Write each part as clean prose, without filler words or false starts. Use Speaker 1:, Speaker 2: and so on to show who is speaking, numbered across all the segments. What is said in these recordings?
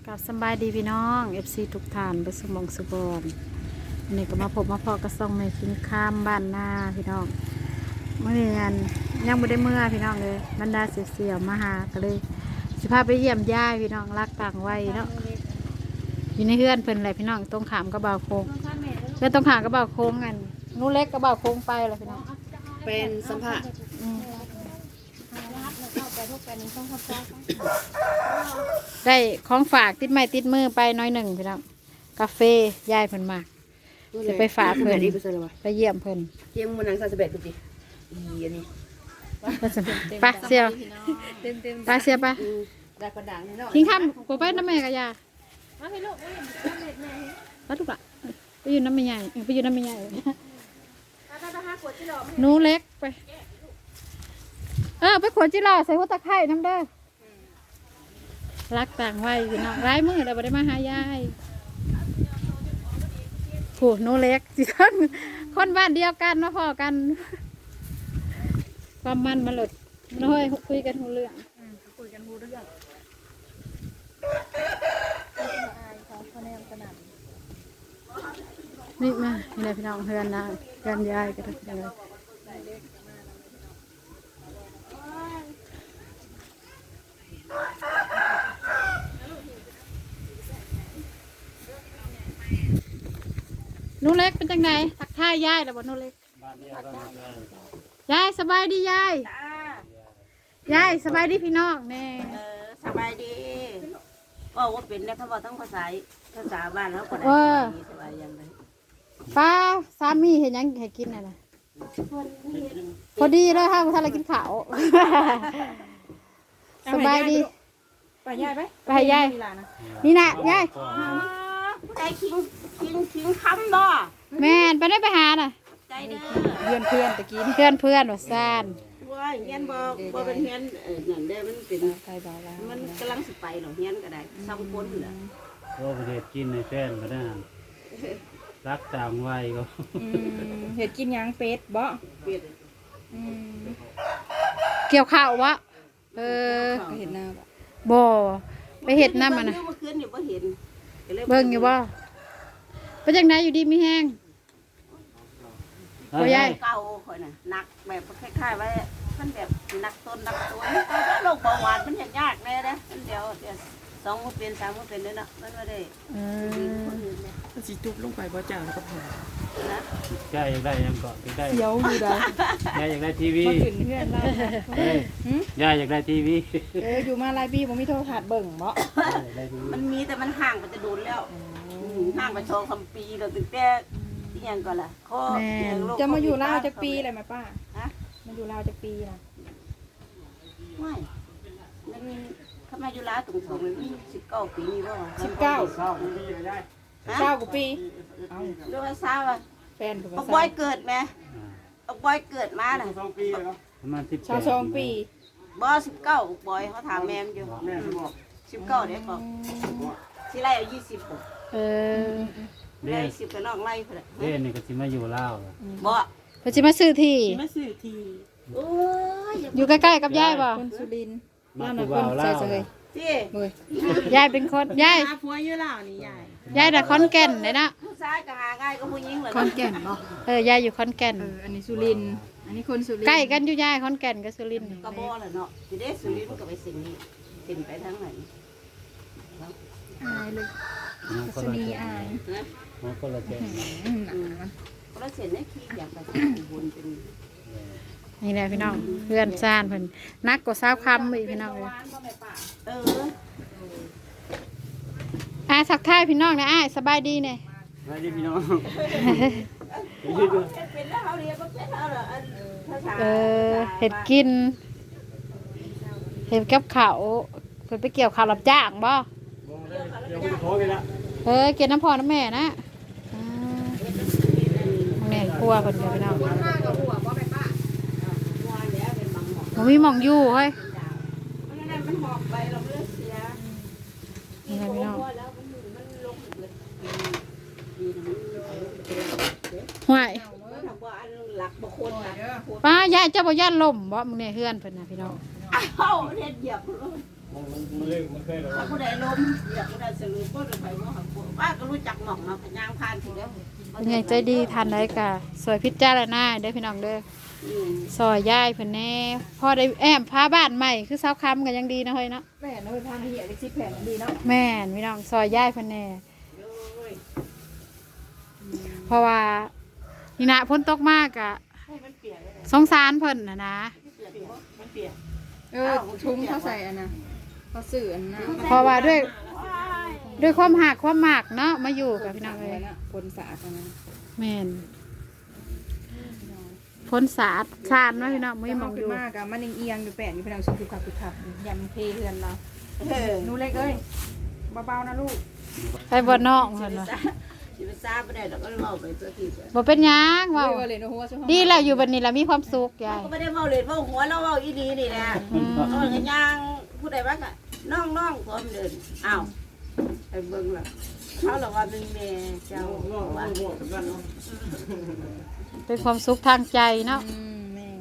Speaker 1: กับสบายดีพี่น้องFC ทุกท่านไปสมองสุบอนอันนี้ก็มาพบมาพอกระซ่องในคิงข้ามบ้านหน้าพี่น้องเมื่อเงินยังไม่ได้เมื่อพี่น้องเลยบรรดาเสียวๆมาหาก็เลยสิพาไปเยี่ยมย่ายพี่น้องรักต่างวัยเนาะอยู่ในเฮือนเพิ่นอะไรพี่น้องตรงขามกระเบาโค้งเพื่อนตรงขามกระเบาโค้งกันนู้เล็กกระเบาโค้งไปเลยพี่น้อง
Speaker 2: เป็นสัมผัส
Speaker 1: ได้ของฝากติดไม้ติดมือไปน้อยหนึ่งพี่น้องกาแฟยายเพิ่นมาจะไปฝากเพิ่นไปเยี่ยมเพิ่น
Speaker 2: เยี่ยมมันนังซาสเบตดูดิอันนี้
Speaker 1: ไปเสียวไปเสียวไป
Speaker 2: ได้กระดังเนาะ
Speaker 1: ทิ้งข้ามกูไปน้ำแม่กับยามาให้ลูกมาลูกละไปอยู่น้ำแม่ใหญ่ไปอยู่น้ำแม่ใหญ่หนูเล็กไปไปขวดจิราใส่หัวตะไคร่น้ำเด้อรักต่างวัยพี่น้องร้ายมือเราไม่ได้มาหายายผูหนูเล็กสิคนบ้านเดียวกันมาพอกันความมันมาหลุดน้อยคุยกันหูเรื่องนี่มานี่แหละพี่น้องเพื่อนนะเพื่อนยายกันยังไงนูเล็กเป็นจังไงทักทายยายแล้วบ่นูเล็กยายสบายดียายยายสบายดีพี่น้องแน่
Speaker 2: สบายดีก็ว่าเป็นแล้วเขาบอกทั้งภาษาบ้านแล้วก็ได้สบายยังไง
Speaker 1: ป้าสามีเห็นยังให้กินอะไรพอดีเลยค่ะถ้าเรากินข้าวสบายดี
Speaker 2: ไปยายไป
Speaker 1: ไปยายนี่นะยาย
Speaker 2: ได้คิงคำบ่
Speaker 1: แม่ไปได้ไปหาน่ะ
Speaker 2: ใจเด้อ
Speaker 1: เพื่อนตะกี้เพื่อนว่าซ่าน
Speaker 2: ว่าเฮียนบ่เป็นเฮียนนั่นได้มันเป็น
Speaker 1: ใครบอกแล้ว
Speaker 2: มันกำลังสิไปหรอเฮียนก็ได้ซ้ำคนเหรอ
Speaker 3: ว่าประเทศกินในแฟนก็ได้รักต่างวัยก็
Speaker 1: เห็ดกินยังเป็ดบ่
Speaker 2: เป็ด
Speaker 1: เกี่ยวข้าววะ
Speaker 2: เห็นหน้า
Speaker 1: บ่ไปเห็ดน้ำมันนะ
Speaker 2: เมื่อคืนอยู่บ่เห็น
Speaker 1: เบิ่งอยู่บ่เป็นจังไดอยู่ดีมีแห้ง
Speaker 3: พ่อใหญ่
Speaker 2: เก่าคนน่ะหนักแบบคล้ายๆไว้มันแบบหนักต้นหนักตัวถ้าโรคเบาหวานมันยากแน่นะมันเดี๋ยว2 มื้อเป็น3 มื้อเป็นเลยเนาะมันไม่ได้
Speaker 4: มันสิจุบลงไปบ่จ่าแล้วก็พอ
Speaker 2: นะ
Speaker 3: ยายอยากได้ยังเกาะได้
Speaker 1: เดี๋ยวอยู่ได้
Speaker 3: ยายอยากได้ทีวี
Speaker 1: มาถึงเพื่อนเรา
Speaker 3: ยายอยากได้ทีวี
Speaker 1: อยู่มาหลายปีผมมีโทรทัศน์เบิ่งเนาะ
Speaker 2: มันมีแต่มันห่างมันจะโดนแล้วห่างไป2-3 ปีแล้วตั้งแต่ที่ยังก่อนล่ะข้อ
Speaker 1: จะมาอยู่ลาวจะปีอะไรไหมป้าฮะมาอยู่ลาวจะปีนะ
Speaker 2: ไม่มันทำไมอยู่ลาวตรงๆมัน19 ปีนี่บ่
Speaker 1: 19 กว่าปี
Speaker 2: เรื่องทราบว่า
Speaker 1: แฟน
Speaker 2: เอาบอยเกิดไหมเอาบอยเกิดมาน่ะ
Speaker 3: ประมาณ
Speaker 1: 22 ปี
Speaker 2: บ่19บอยเขาถามแม่อยู่19เด้บอกสิไล่เอา20ได้10กับน้องไล่พุ่นน่ะ
Speaker 3: เด้นี่ก็สิมาอยู่ลาว
Speaker 2: บ่
Speaker 1: เพิ่นสิมาซื้อที่
Speaker 2: โอ้ย
Speaker 1: อยู่ใกล้ๆกับยายบ่
Speaker 4: คนสุรินทร์
Speaker 3: นั่นน่ะคน
Speaker 1: เฉย
Speaker 2: ๆที่
Speaker 1: ยายเป็นคนยาย
Speaker 4: หาผัวอยู่ลาวนี่
Speaker 1: ยายน่ะขอนแก่นเลยนะ
Speaker 2: ผู้ชายก็หาง่ายก็ผู้หญิงเหรอ
Speaker 4: ขอนแก่นบ่
Speaker 1: ยายอยู่ขอนแก่น
Speaker 4: อันนี้สุรินทร์อันนี้คนสุรินทร์
Speaker 1: ใกล้กันอยู่ยายขอนแก่นกับสุรินทร์
Speaker 2: ก็บ่ล่ะเนาะสิได้สุรินทร์ก็ไปสิ่งนี้เป็นไปทางไหน
Speaker 4: อายเลยสนีอาย
Speaker 3: มันก็ละเจน
Speaker 2: ก็ละเส้นได้ขี้อยากไปวนเป็น
Speaker 1: นี่แหละพี่น้องเพื่อนซ่านเพิ่นนักกว่า20 คำอีกพี่น้องเลยทักทายพี่น้องนะสบายดีเนี่ย
Speaker 3: สบายดีพี่น้อง
Speaker 1: เห็ดกินเห็ดกับข้าวเพิ่นไปเกี่ยวข้าวรับจ้างบ่เกี่ยวน้ำพอน้ำแม่นะแม่ครัวเพิ่นเดี๋ยวพี่น้องผมมีหม่องอยู่เฮ้ยนี่ไงพี่น้องห่วยป้ายายเจ้าบ่ย่านลมบ่มึงเนี่ยเฮือนเพิ่นน่ะพี่น้อง
Speaker 2: อ้าวเฮ็ดเหยียบ
Speaker 3: มันเคยแล้ว
Speaker 2: ถ้าผู้ใดล้มอยากผู้ใดสรุปก็จะไปว่าหักป้าก็รู้จักหม่องเนาะยางพานถึงแล้ว
Speaker 1: ใหญ่ใจดีทานได้กะสวยพิจารณาเด้อพี่น้องเด้อซอยย่ายเพิ่นแน่พ่อได้แอมพาบ้านใหม่คือเสาค้ำกันยังดีนะเฮ้ยเนาะ
Speaker 4: แม่น้อยพาเหี้ยได้10แผ่นดีเนาะ
Speaker 1: แม่นพี่น้องซอยย่ายเพิ่นแน่เพราะว่านี่นะพ้นตกมากอะสงสารเพิ่นนะ
Speaker 4: ถุงเขาใส่อันน่ะเขาซื้ออันน่ะ
Speaker 1: เพราะว่าด้วยความหักความหมากเนาะมาอยู่กับพี่น้องเลย
Speaker 4: ผลสะอาดอันนั้น
Speaker 1: แม่นพ้นสาดชาดเนาะพี่น้องไม่มองอยู่
Speaker 4: มากอะมันเอียงอยู่แปะอยู่พี่น้องคือขับยำเทเฮือนเราหนูเล็กเอ้ยเบาๆนะลูก
Speaker 1: ไปบ่นอกเพิ่นว่า
Speaker 2: สิไปทราบไม่ได้เราก็เล่าไปตัวที่
Speaker 1: บ่เป็นหยังเว้า
Speaker 4: เลยหัว
Speaker 1: ดีแล้วอยู่บัดนี้แล้วมีความสุขยาย
Speaker 2: ก็ไม่ได้เมาเลยเมาหัวเราเมาอีดีนี่แหละเออกันยางผู้ใดบ้างอะน้องพร้อมเดินอ้าวไปเบิ่งล่ะเขาหรอกว่าเป็นแม่เจ้าว่า
Speaker 1: เป็นความสุขทางใจเนาะ
Speaker 4: แม่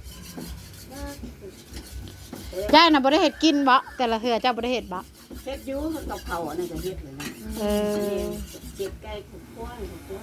Speaker 1: ยายน่ะบ่ได้เฮ็ดกินบ่แต่ละเทื่อเจ้าบ่ได้เฮ็ดบ่
Speaker 2: เฮ็ดอยู่กับเขาอันนั้นก็เฮ็ดเลยนะ
Speaker 1: เออ
Speaker 2: เจ็บไก่ขุดข้วนขุดข้วน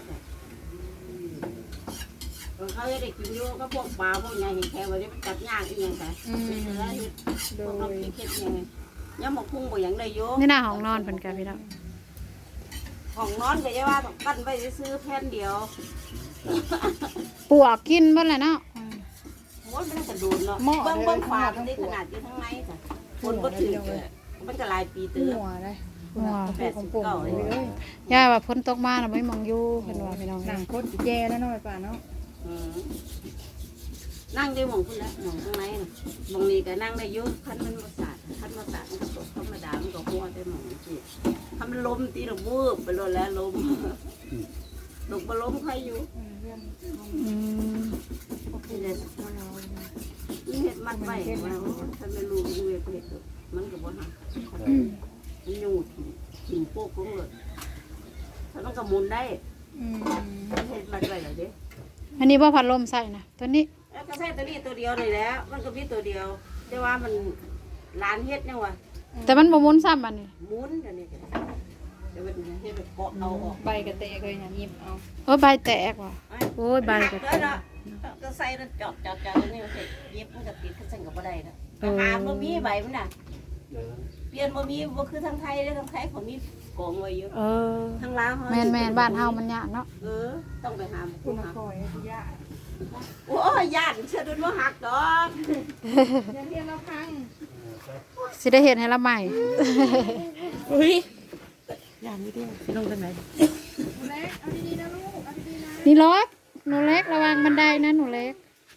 Speaker 2: เขาจะได้กินอยู่ก็พวกปลาพวกใหญ่เห็นแค่ว่าได้จัดย่างอีกอย่างแต่เป็นเนื้อเฮ็ดพวกเขาเฮ็ดยังไงย่ำหมกพุ่งบ่อย่างใดอยู่
Speaker 1: นี่น่ะห้องนอนเพิ่นก็พี่น้อง
Speaker 2: ของนอนก็จะว่าต้องกั้นไว้ซื้อแผ่นเดียว
Speaker 1: ปวกกินเบิดแหละเนาะ
Speaker 2: โอ้ยมันกระดูนเนาะเบิ่งฝามันได้ขนาดอยู่ทั้งในค่ะคนบ่ถึงมันก็หลายปีเตื้อ
Speaker 4: หัวเลย
Speaker 1: หัว
Speaker 2: 89เลย
Speaker 1: ยายว่าพ้นตกมาน่ะไม่มองอยู่เพิ่นว่าพี่น้อง
Speaker 4: หนังโคตรแย่แล้วน้อยป่าเนาะ
Speaker 2: นั่งได้หมองคุณแล้วหมองข้างในน่ะหมองนี้ก็นั่งได้อยู่คันมันบ่สาดคันบ่สาดมันก็ตกธรรมดามันก็หัวได้หมองนี่ถ้ามันล้มตีระวูบไปโลดแล้วล้มตกบ่ล้มใครอยู่
Speaker 1: อืม
Speaker 2: นี่เลยนี่เฮ็ดมัดไว้ว่าถ้าไม่รู้มันเวทเฮ็ดมันก็บ่หักมันอยู่ถิ่นโป๊กของเลยถ้ามันก็หมุนได้เฮ็ดมัดไว้แล้วเด้
Speaker 1: อันนี้บ่พัดลมใส่นะตัวนี้
Speaker 2: ก็ใช้ตัวนี้ตัวเดียวนี่แหละมันก็มีตัวเดียว แต่ว่ามันร้านเฮ็ดยังวะ
Speaker 1: แต่มันบ่หมุนซ้ำอันนี้
Speaker 2: หมุนอันนี้ก็ได้แต่ว่าเฮ็ดแบบเกาะเอาออก
Speaker 4: ใบกระเตะเลยอย่างยิบเอา
Speaker 1: โอ้ยใบแตกว่ะโอ้ยใบก็แตก
Speaker 2: ก็ใส่แล้วจอดตัวนี้เสร็จเย็บมันก็ติดก็ใส่กับบ่ได้นะหาบ่มีใบมันน่ะเปลี่ยนบ่มีบ่คือทางไทยเด้ทางไทยเขามีกองไว้อยู่
Speaker 1: เออ
Speaker 2: ทางลาว
Speaker 1: แม่นบ้านเฮามันยากเนาะ
Speaker 2: ต้องไปหา
Speaker 4: คุณคอยยา
Speaker 2: โอ้ยญาติเชื่อด้วยว่าหักดอก
Speaker 4: เรียนเราพัง
Speaker 1: สิได้เห็นให้ละใหม่
Speaker 2: อุ้ยญาตินี่เด้ลงทางไหน
Speaker 4: เล็กเอาดีๆนะลูกเอาดีๆนะ
Speaker 1: นี่ล็อกหนูเล็กระวังบันไดนะหนูเล็ก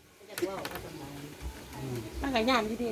Speaker 2: มันก็ญาตินี่เด้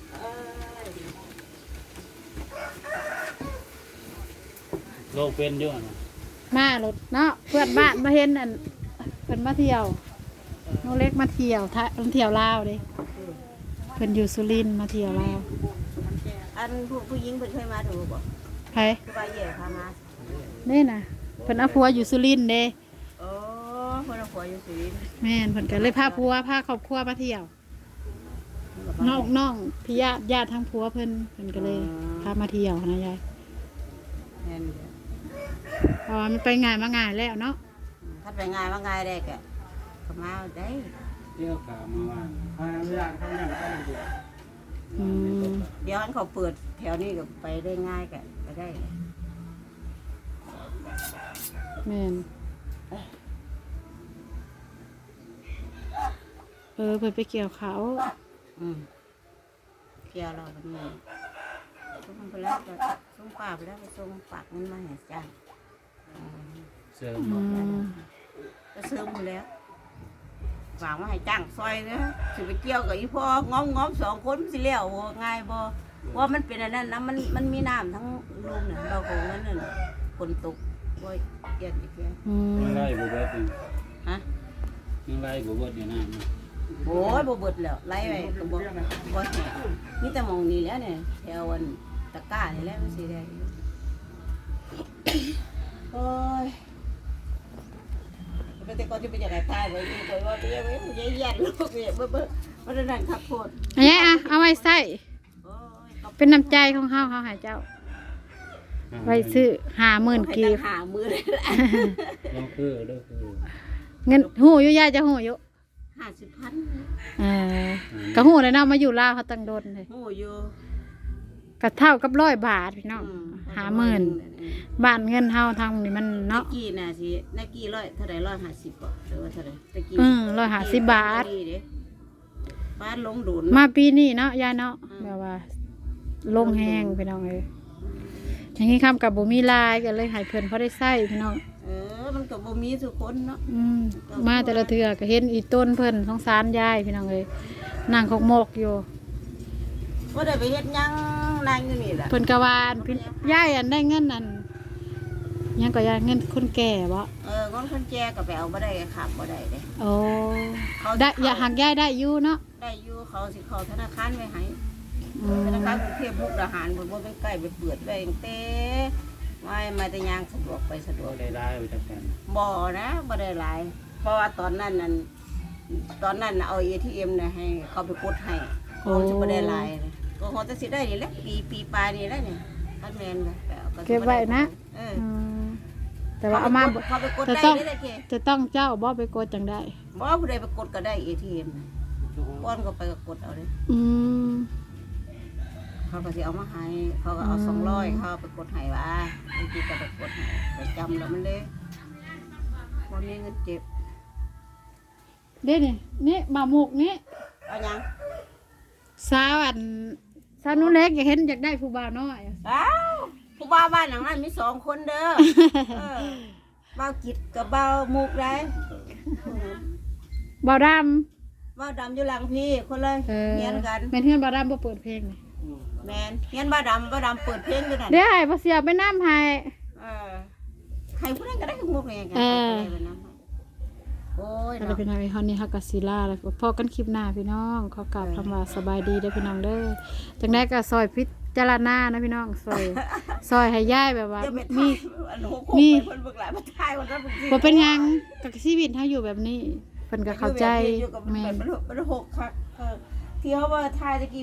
Speaker 3: โลกเป็นอยู่นะ
Speaker 1: มารถเนาะเพื่อนบ้านมาเห็นอันเพิ่นมาเที่ยวหนูเล็กมาเที่ยวเที่ยวลาวเด้เพิ่นอยู่สุรินทร์มาเที่ยวลาว
Speaker 2: อันผู้หญิงเพิ่นเคยมาถูกบ่
Speaker 1: ไผ
Speaker 2: คือว่าแย่พามา
Speaker 1: นี่น่ะเพิ่นเอาผัวอยู่สุรินทร์เด้
Speaker 2: โอ้เพิ่นเอาผัวอยู่สุรินทร์
Speaker 1: แม่นเพิ่นก็เลยพาผัวพาครอบครัวมาเที่ยวน้องพี่ญาติทั้งผัวเพิ่นก็เลยพามาเที่ยวนะยาย
Speaker 2: แม่น
Speaker 1: เพราะว่ามันไปง่ายมาง่ายแล้วเนาะ
Speaker 2: ถ้าไปง่ายว่าง่ายได้ก็มาได้
Speaker 3: เที่ยวกามาว่าพาเรื่องเขาอย่างก็ดี
Speaker 1: อืม
Speaker 2: เดี๋ยวอันเขาเปิดแถวนี้ก็ไปได้ง่ายก็ไปได้
Speaker 1: แม่นเพิ่นไปเกี่ยวเขา
Speaker 2: เกี่ยวเราวันนี้ส่งไปแล้วก็ส่งป้าไปแล้วก็ส่งฝากเงินมาให้จ้าง
Speaker 3: เสริม
Speaker 1: อืม
Speaker 2: ก็ซื้อมาแล้วฝากมาให้จ้างซอยนะสิไปเกี่ยวกับอีพ่องอมสองคนสิแล้วง่ายบ่ว่ามันเป็นอันนั้นนะมันมีน้ำทั้งรูมเนี่ยเราของนั้นน่ะฝนตกว่าเกี่ยอีกแล้ว
Speaker 1: อืม
Speaker 3: ยังไล่บุบเบิดอยู่
Speaker 2: ฮะ
Speaker 3: ยังไล่บุบเบิดอยู่นั่น
Speaker 2: โอ้ยบ่เบิดแล้วไล่ไปก็บ่แห้งมีแต่หมองนี้แล้วเนี่ยแถวอันตะกร้านี่แหละมันสิได้อยู่โอ้ยแต่ก่อนจะไปจากไหนตายไว้นี่ก็ว่าเบี้ยไว้ยันลูกเบี้ยเบิ่มันนั่นขับโพด
Speaker 1: อันนี้อ่ะเอาไว้ใส่
Speaker 2: โอ้ยกระ
Speaker 1: เป็นน้ำใจของเฮาให้เจ้าไว้ซื้อ50,000กีบ
Speaker 2: หามือเลย
Speaker 3: ลองคือเด้อคือ
Speaker 1: เงินหู้อยู่ยายจะหู้อยู่
Speaker 2: 50,000
Speaker 1: เออก็หู้เลยเนาะมาอยู่ลาวเขาตั้งโดนเลย
Speaker 2: โอ้อยู่
Speaker 1: ก็เท่ากับ100 บาทพี่น้อง50,000บ้านเงินเฮาทางนี่มัน
Speaker 2: ตะ
Speaker 1: เนาะ
Speaker 2: กี้น่ะสิตะกี้เท่าใด150บ่หรือว่าเท่าใดตะกี้
Speaker 1: 150 บาท
Speaker 2: บ้านลงดุน
Speaker 1: มาปีนี้เนาะยายเนาะแบบว่าลงแห้งพี่น้องเอ้ยอย่างนี้คำกับบ่มีลายก็เลยให้เพิ่นพอได้ใช้พี่น้อง
Speaker 2: มันก็บ่มีทุกคนเนาะ
Speaker 1: มาแต่ละเทื่อก็เห็นอีต้นเพิ่นสงสารยายพี่น้องเอ้ยนั่งคกมกอยู่
Speaker 2: บ่ได้ไปเฮ็ดหยังนั่งอยู่นี่ล่ะ
Speaker 1: เพิ่นก็ว่าพี่ยายอันได้เงินอันยังก็ยายเงินคนแก่บ่
Speaker 2: คนคนแก่ก็ไปเอาบ่ได้ขับบ่ได้เด้
Speaker 1: โอ้ได้อย่าหักยายได้อยู่เนาะ
Speaker 2: ได้อยู่เขาสิเข้าธนาคารไว้ให้ธนาคารกรุงเทพมุกดาหารบ่เป็นใกล้ไปเปิดไว้ตั้งแต่มาแต่ยางสะดวกไปสะดว
Speaker 3: บ่
Speaker 2: ก
Speaker 3: ได้ได้ไปจักกัน
Speaker 2: บ่นะบ่ได้หลายเพราะว่าตอนนั้นน่ะเอา ATM น่ะให้เขาไปกดให้เขาจะบ่ได้หลายนะก็เขาจะสิได้นี่แหละปีปลายนี่แหละนี่คันแม่นก็ไปเอาก็สิ
Speaker 1: เก็บไว้นะ
Speaker 2: อืม
Speaker 1: แต่ว่าเอามา
Speaker 2: เขาไปกด
Speaker 1: จะ
Speaker 2: ได้
Speaker 1: ต้อง
Speaker 2: นี่แหละเก
Speaker 1: จะต้องเจ้าบ่ไปกดจังได้
Speaker 2: บ่ผู้ใดไปกดก็ได้ ATM น่ะก้อนก็ไปก็กดเอาเลย
Speaker 1: อืม
Speaker 2: เขาก็สิเอามาให้เขาก็เอา200เขาไปกดให้ว่าบางทีก็ไปกดให้ไปจำแล้วมันเลยบ่มีเงินเก็บ
Speaker 1: เด้นี่บ่าวหมุกนี่
Speaker 2: เอาหยัง
Speaker 1: สาวนุ่นเล็กอยากเห็นอยากได้ผู้บ่าวน้อย
Speaker 2: อ้าวผู้บ่าวบ้านหลังนั้นมี2คนเด้อบ่าวกิจกับบ่าวมุกได้
Speaker 1: บ่าวด
Speaker 2: บ่าวดำอยู่หลังพี่คนเลย
Speaker 1: ำ
Speaker 2: เฮียนกัน
Speaker 1: แม่นเฮือนบ่าวดำบ่เปิดเพลงนี่
Speaker 2: แม่นเฮียนบ่าวดำเปิดเพลงอยู่นั่น
Speaker 1: เดี๋ยวให้บ่เสียไปน้ำให้
Speaker 2: ใครผู้ใดก็ได้มุกเลยกันไปนำโอ้ย
Speaker 1: แล้ว
Speaker 2: เนาะ
Speaker 1: พี่น้องไอ้ฮอนนี่ฮักกะศิลาแล้วก็พอกันคลิปหน้าพี่น้องขอกราบคำว่าสบายดีเด้อพี่น้องเด้อจังได๋ก็ซอยพิจารณานะพี่น้องซอยให้ยายแบบว่า
Speaker 2: จะไป
Speaker 1: มี
Speaker 2: อันโหกไปเพิ่นเบิกหลายมาทายคนนั้นเพิ่น
Speaker 1: บ่เป็นหยังกับชีวิตเฮาอยู่แบบนี้เพิ่นก็เข้าใจ
Speaker 2: อยู่กับ
Speaker 1: แม่
Speaker 2: มันหกคักที่เขาว่าทายตะกี้